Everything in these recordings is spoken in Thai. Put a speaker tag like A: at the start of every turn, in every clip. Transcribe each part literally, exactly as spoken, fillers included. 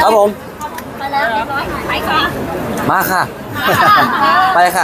A: ครับผม
B: ไปแล้วเรียบร้อยไปค่ะ
A: มาค่ะไปค่ะ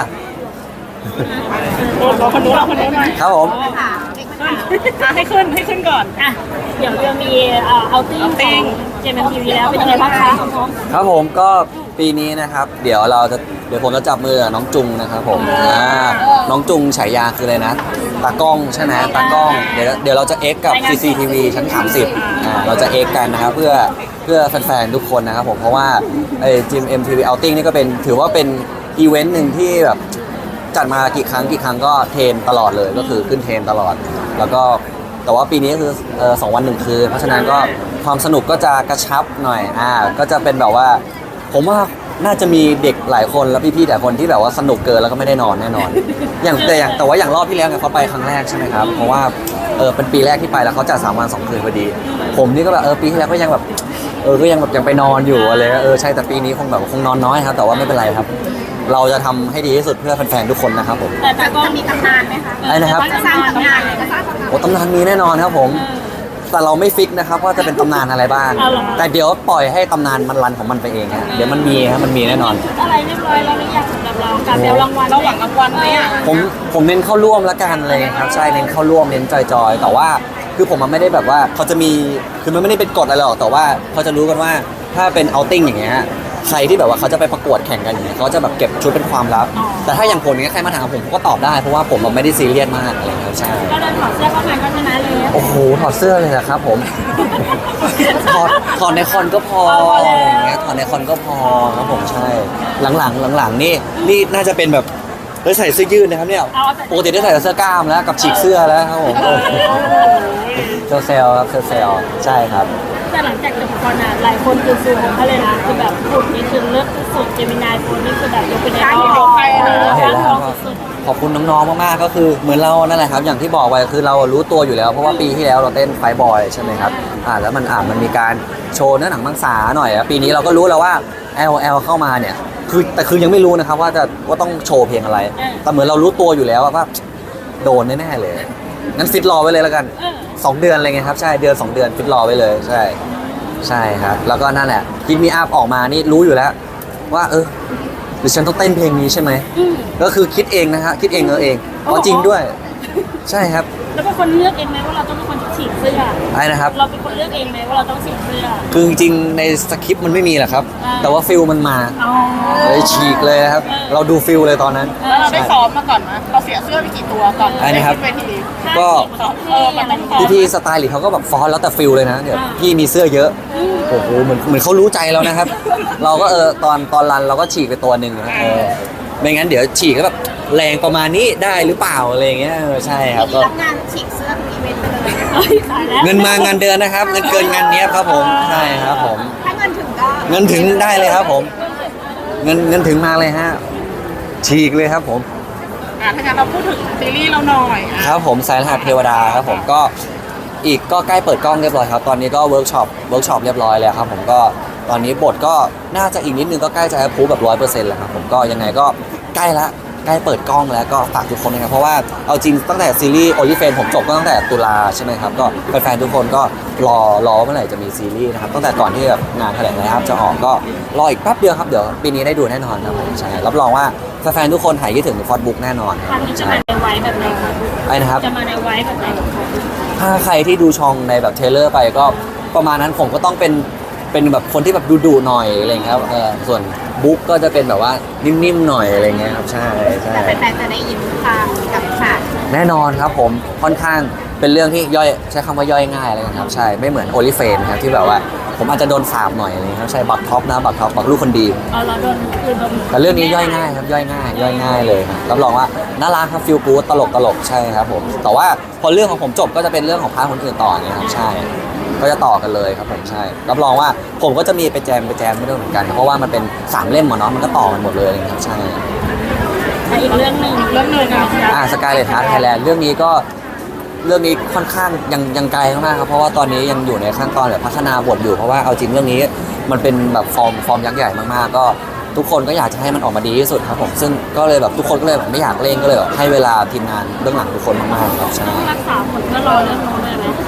C: รอคนนู้นรอคนนู้นหน่อย
A: ครับผม
C: ให้ขึ้นให้ขึ้นก่อนอ่ะ
B: เดี๋ยวจะมีเอาติ้งของเจมส์ทีวีแล้วเป็นยังไงบ้างคะ
A: ครับผมก็ปีนี้นะครับเดี๋ยวเราจะเดี๋ยวผมจะจับมือน้องจุงนะครับผมอ่าน้องจุงฉายาคืออะไรนะตากล้องใช่ไหมตากล้องเดี๋ยวเดี๋ยวเราจะเอ็กกับ ซี ซี ที วี ชั้นสามสิบอ่าเราจะเอ็กกันนะครับเพื่อเพื่อแฟนๆทุกคนนะครับผมเพราะว่าไอ้จิม เอ็ม ที วี Outing นี่ก็เป็นถือว่าเป็นอีเวนต์หนึ่งที่แบบจัดมากี่ครั้งกี่ครั้งก็เทรนตลอดเลยก็คือขึ้นเทรนตลอดแล้วก็แต่ว่าปีนี้คือเออสองวันหนึ่งคืนเพราะฉะนั้นก็ความสนุกก็จะกระชับหน่อยอ่าก็จะเป็นแบบว่าผมว่าน่าจะมีเด็กหลายคนแล้วพี่ๆแต่คนที่แบบว่าสนุกเกินแล้วก็ไม่ได้นอนแน่นอน อย่างแต่อย่างแต่ว่าอย่างรอบที่แล้วเนี่ยเขาไปครั้งแรกใช่ไหมครับเพราะว่าเออเป็นปีแรกที่ไปแล้วเขาจัดสามวันสองคืนพอดี ผมนี่ก็แบบเออปีที่แล้วก็ยังแบบเออก็ยังแบบยังไปนอนอยู่อะไรเออใช่แต่ปีนี้คงแบบคงนอนน้อยครับแต่ว่าไม่เป็นไรครับเราจะทำให้ดีที่สุดเพื่อแฟนๆทุกคนนะครับผม
B: แต่แต่ก็มีตำนานไหมคะ
A: ไอ้นะครับ
B: จะสร้างตำนานเลยจะสร้างตำนาน
A: โอ้ตำนานมีแน่นอนครับผมแต่เราไม่ฟิกนะครับว่าจะเป็นตำนานอะไรบ้างแต่เดี๋ยวปล่อยให้ตำนานมันรันของมันไปเองฮะเดี๋ยวมันมีครับมันมีแน่นอน
B: อะไรเรียบร้อยแล้วหรือยังสำหรับเราการเดารางวัล
C: เราหวังรางวัลไหมอ่ะ
A: ผมผมเน้นเข้าร่วมละกันเลยครับใช่เน้นเข้าร่วมเน้นจอยๆแต่ว่าคือผมมันไม่ได้แบบว่าเขาจะมีคือมันไม่ได้เป็นกฎอะไรหรอกแต่ว่าเขาจะรู้กันว่าถ้าเป็นเอาติ้งอย่างเงี้ยใครที่แบบว่าเขาจะไปประกวดแข่งกันอย่างเงี้ยเขาจะแบบเก็บชุดเป็นความลับแต่ถ้าอย่างผมเนี้ยใครมาถามผมผมก็ตอบได้เพราะว่าผมมันไม่ได้ซีเรียสมากอะไรเงี้ยใช่
B: ก็เดินถอดเสื้อเข้ามาก็ชนะเลย
A: โอ้โหถอดเสื้อเลยนะครับผมถอดถอดในคอนก็พออะไรอย่างเงี้ยถอดในคอนก็พอครับผมใช่หลังๆหลังๆนี่นี่น่าจะเป็นแบบได้ใส่เสื้อยืดนะครับเนี่ยปกติได้ใส่เสื้อกล้ามแล้วกับฉีกเสื้อแล้วครับผมเซลเซลครับเซลเซลใช่ครับ
B: แต่หลังจากจบคอนอ่ะหลายคนคือสูงเขาเลยนะคือแบบฝุ่นนี่คือเลือกสุดเจมินายฝุ่นนี่คือแบบยกเป็นไอดอล
A: เห็นแล้วขอบคุณน้องๆมากๆก็คือเหมือนเรานั่นแหละครับอย่างที่บอกไว้คือเรารู้ตัวอยู่แล้วเพราะว่าปีที่แล้วเราเต้นไฟบอยใช่ไหมครับอ่าแล้วมันอ่ามันมีการโชว์เนื้อหนังมังสาหน่อยปีนี้เราก็รู้แล้วว่า แอล แอล เข้ามาเนี่ยคือแต่คือยังไม่รู้นะครับว่าจะว่าต้องโชว์เพลงอะไรแต่เหมือนเรารู้ตัวอยู่แล้วว่าโดนแน่ๆเลยงั้นฟิตรอไว้เลยแล้วกันสองเดือนอะไรเงี้ยครับใช่เดือนสองเดือนฟิตรอไว้เลยใช่ใช่ครับแล้วก็นั่นแหละกินมีอัพออกมานี่รู้อยู่แล้วว่าเออหรือฉันต้องเต้นเพลงนี้ใช่ไหมก็คือคิดเองนะฮะคิดเองเออเองเพราะจริงด้วยใช่ครับ
B: แล้วเป็นคนเลือกเองไหมว่าเราต้องเป็นคนฉีกเสื้อ
A: ใช่นะครับ
B: เราเป็นคนเลือกเองไหมว่าเราต้องฉีกเสื้อ
A: คือจริงในสคริปต์มันไม่มีแหละครับแต่ว่าฟิลมันมาเลยฉีกเลยครับเราดูฟิลเลยตอนนั้น
C: แล้วเราได้ซ้อมมาก่อนไหมเราเสียเสื้อไปกี่ตัวก่อน
A: ใช่นะครับก็พี่พี่สไตล์หรือเขาก็แบบฟอนแล้วแต่ฟิลเลยนะเดี๋ยวพี่มีเสื้อเยอะโอ้โหเหมือนเหมือนเขารู้ใจแล้วนะครับเราก็เออตอนตอนรันเราก็ฉีกไปตัวหนึ่งนะเออไม่งั้นเดี๋ยวฉีกก็แบบแรงประมาณนี้ได้หรือเปล่าอะไรเงี้ยใช่ครับก็
B: รับงานฉีกเสื้ออีเวนต์เลย
A: เงินมางานเดือนนะครับเงินเกินงานนี้ครับผมใช่ครับผม
B: ถ้าเงินถึงก็
A: เงินถึงได้เลยครับผมเงินเงินถึงมาเลยฮะฉีกเลยครับผม
C: อ่าถ้างั้นเราพูดถึงซีรีส์เราหน่อย
A: ครับผมสายรหัสเทวดาครับผมก็อีกก็ใกล้เปิดกล้องเรียบร้อยครับตอนนี้ก็เวิร์กช็อปเวิร์กช็อปเรียบร้อยแล้วครับผมก็ตอนนี้บทก็น่าจะอีกนิดนึงก็ใกล้จะแอปพูแบบร้อยเปอร์เซ็นต์แล้วครับผมก็ยังไงก็ใกล้ละใกล้เปิดกล้องแล้วก็ฝากทุกคนนะครับเพราะว่าเอาจริงตั้งแต่ซีรีส์โอลิเฟนผมจบก็ตั้งแต่ตุลาใช่ไหมครับก็แฟนๆทุกคนก็รอรอเมื่อไหร่จะมีซีรีส์นะครับตั้งแต่ก่อนที่แบบงานแถลงนะครับจะออกก็รออีกแป๊บเดียวครับเดี๋ยวปีนี้ได้ดูแน่นอนครับผมใช่รับรองว่าแฟนๆทุกคนหายคิดถึงฟอสบุ๊กแน่นอน
B: ครั้งนี้จะมาในไว้แบบไหนครับ
A: ไอ้นะครับ
B: จะมาในไว้แบบไหน
A: ถ้าใครที่ดูช่องในแบบเทเลอร์ไปก็ประมาณนั้นผมก็ต้องเป็นเป็นแบบคนที่แบบดุๆหน่อยอะไรเงี้ยครับเออส่วนบุ๊กก็จะเป็นแบบว่านิ่มๆหน่อยอะไรเงี้ยครับใช่ใช่
B: แต่แฟนๆจะได้ยินความกับฉาก
A: แน่นอนครับผมค่อนข้างเป็นเรื่องที่ย่อยใช้คำว่าย่อยง่ายเลยครับใช่ไม่เหมือนโอลิเฟนครับที่แบบว่าผมอาจจะโดนสาบหน่อยอะไรครับใช่บักท็อปนะบักท็อปบักลูกคนดี
B: อ๋อเราโดนคือโดน
A: แต่เรื่องนี้ย่อยง่ายครับย่อยง่ายย่อยง่ายเลยครับรับรองว่าน่ารักครับฟิลกู๊ดตลกตลกใช่ครับผมแต่ว่าพอเรื่องของผมจบก็จะเป็นเรื่องของพาร์ทคนอื่นต่อเนี่ยครับใช่ก็จะต่อกันเลยครับผมใช่รับรองว่าผมก็จะมีไปแจมไปแจมไม่ได้เหมือนกันเพราะว่ามันเป็นสามเล่มหมดเนาะมันก็ต่อกันหมดเลยครับใช่
B: อีกเรื่องหนึ่งเรื่องหนึ่ง
A: อ่าสกายเลดฮาร์ทไทยแลนด์เรื่องนี้ก็เรื่องนี้ค่อนข้างยังยังไกลมากครับเพราะว่าตอนนี้ยังอยู่ในขั้นตอนแบบพัฒนาบทอยู่เพราะว่าเอาจริงเรื่องนี้มันเป็นแบบฟอร์มฟอร์มยักษ์ใหญ่มากๆก็ทุกคนก็อยากจะให้มันออกมาดีที่สุดครับผมซึ่งก็เลยแบบทุกคนก็เลยแบบไม่อยากเล่นก็เลยแบบให้เวลาทีมงานเบื้องหลังทุกคนมากๆครับใช่
B: รักษาผลเพื่อรอเรื่องโน้นเลยไหม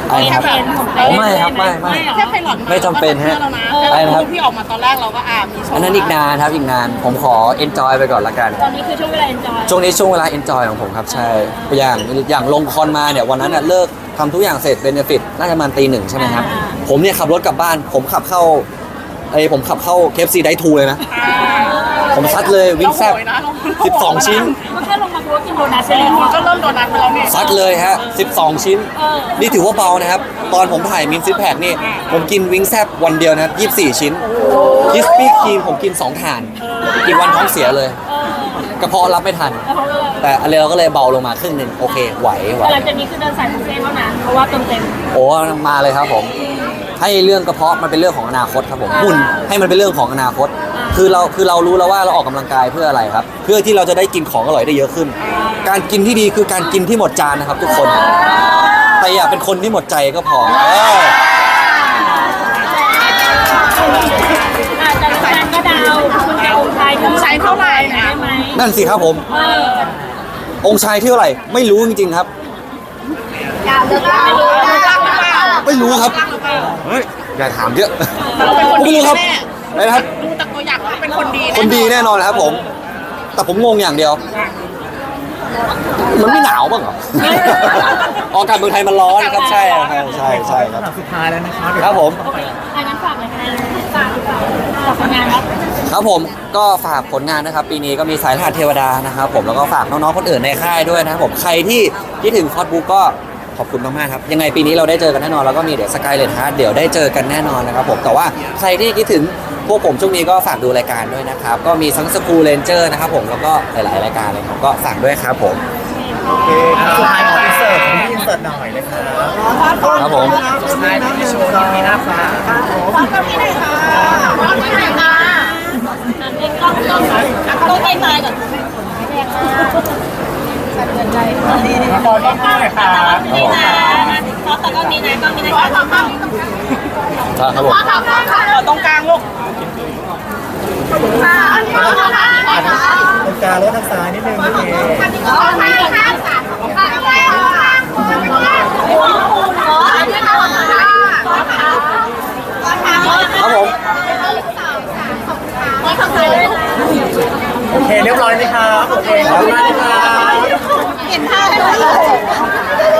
A: อะไรครับ
B: เห็นผม
A: อ๋อไม่ครับไม่ไม่
C: แค่ไพลอต
A: ไม่จำเป็นฮะ
C: แล้วนะ
A: อะไรนะครับ
C: ที่ออกมาตอนแรกเราก็อ่ามีโชว์
A: อันนั้นอีกนานครับอีกนานผมขอ enjoy ไปก่อนละกัน
B: ตอนนี้คือช่วงเวลา enjoy
A: ช่วงนี้ช่วงเวลา enjoy ของผมครับใช่อย่างอย่างลงคอนมาเนี่ยวันนั้นน่ะเลิกทำทุกอย่างเสร็จเบนฟิตน่าจะประมาณตีหนึ่งใช่ไหมครับ
B: อ่า
A: ผมเนี่ยขับรถกลับบ้าน ผมขับเข้าไอ้ยผมขับเข้า เค เอฟ ซี ได้ทูเลยนะ
C: อ่า
A: ผมซัดเลยวิ่งแซบ
C: เราโหยนะเรา
A: สิบสองชิ้น
B: มันแค่ลงมาโพสกินโดนัท
C: เซ
B: ใช่
C: เล
B: ไหม
C: มูนก็เริ่มโดนัทไปแล้วเนี่ย
A: ซัดเลยฮะสิบสองชิ้น
B: เออ
A: นี่ถือว่าเบานะครับ ตอนผมถ่ายมินซิปแพคนี่ ผมกินวิงแซบวันเดียวนะครับยี่สิบสี่ชิ้นคิสปี้ครีมผมกินสองถาดอีกวันท้องเสียเลย
B: เออก
A: ระเพาะรับไม่ทัน
B: แล้วเขาก็เลย
A: แต่อะไรเราก็เลยเบาลงมาครึ่งหนึ่งโอเคไหวไหว
B: แต่หลังจากนี้คือเดินสายบุฟเฟ่ต์เท่านั้นเพราะว่าเต็มเต็ม
A: โอ้มาเลยครับผม ให้เรื่องกระเพาะมันเป็นเรื่องของอนาคตครับผมหุ่นให้มันเป็นเรื่องของอนาคต คือเราคือเรารู้แล้วว่าเราออกกำลังกายเพื่ออะไรครับ เพื่อที่เราจะได้กินของอร่อยได้เยอะขึ้น การกินที่ดีคือการกินที่หมดจานนะครับ ทุกคน แต่อย่าเป็นคนที่หมดใจก็พอเออ
B: อาจจะแฟนก็ดาวคุณจะองค์ชาย
C: ใช้เท่าไหร่นะ
B: ได้ไหม
A: นั่นสิครับผม
B: เออ
A: องค์ชายที่เท่าไหร่ไม่รู้จริงๆครับ
B: ดาวเลือกได้เลย
A: ไม่รู้ครับเฮ้ยอย่าถามเยอะ
C: เราเป็นคน
A: ผม
C: ดี
A: ไม่รู้ครับ
C: แน่
A: อะไรนะครับ
C: ดูจากตัวอย่างแล้วเป็นคนดี
A: คนดีแน่นอนครับผม แต่ผมงงอย่างเดียว มันไม่หนาวบ้างเหรอ อากาศเมืองไทยมันร้อนครับใช่ครับใช่ใช่ครับ
D: สุดท้ายแล้วนะครับ
A: ครับผม
B: อันนั้นฝากเลยค่ะฝากฝากผลงานครับ
A: ครับผมก็ฝากผลงานนะครับ ปีนี้ก็มีสายรหัสเทวดานะครับผมแล้วก็ฝากน้องๆคนอื่นในค่ายด้วยนะครับผมใครที่คิดถึงคอสบุ๊กก็ขอบคุณมากๆครับยังไงปีนี้เราได้เจอกันแน่นอนแล้วก็มีเดี๋ยวสกายเลนฮาร์ดเดี๋ยวได้เจอกันแน่นอนนะครับผมแต่ว่าใครที่คิดถึงพวกผมช่วงนี้ก็ฝากดูรายการด้วยนะครับก็มีทั้งสกูเลนเจอร์นะครับผมแล้วก็หลายๆรายการเลยครับก็ฝากด้วยครับผม
D: โอเคครับสุดท้ายขออินเสิร์ตขออินเสิร์ตหน่อยเลยครับ
A: ครับผม
D: สุดท้ายที่โชว์นี้มีหน้าฟ้า
B: อันนี้กล้องกล้องต้องไปมาก่อนสะเทือนใจ
D: ขอต้องหน่อยครับ
B: นี่นะขอตอกล้องนี้นะกล้องนี้นะขอตอกล้อง
A: ครับผม
C: ขอตรงกลางลูก
D: ตรงกลางแล้วทางซ้ายนิดนึงโอเค
A: ครับผม
D: โอเคเรียบร้อยไหมครับโอเคขอบคุณมากเลยครับ
B: เห็นภาพด้วย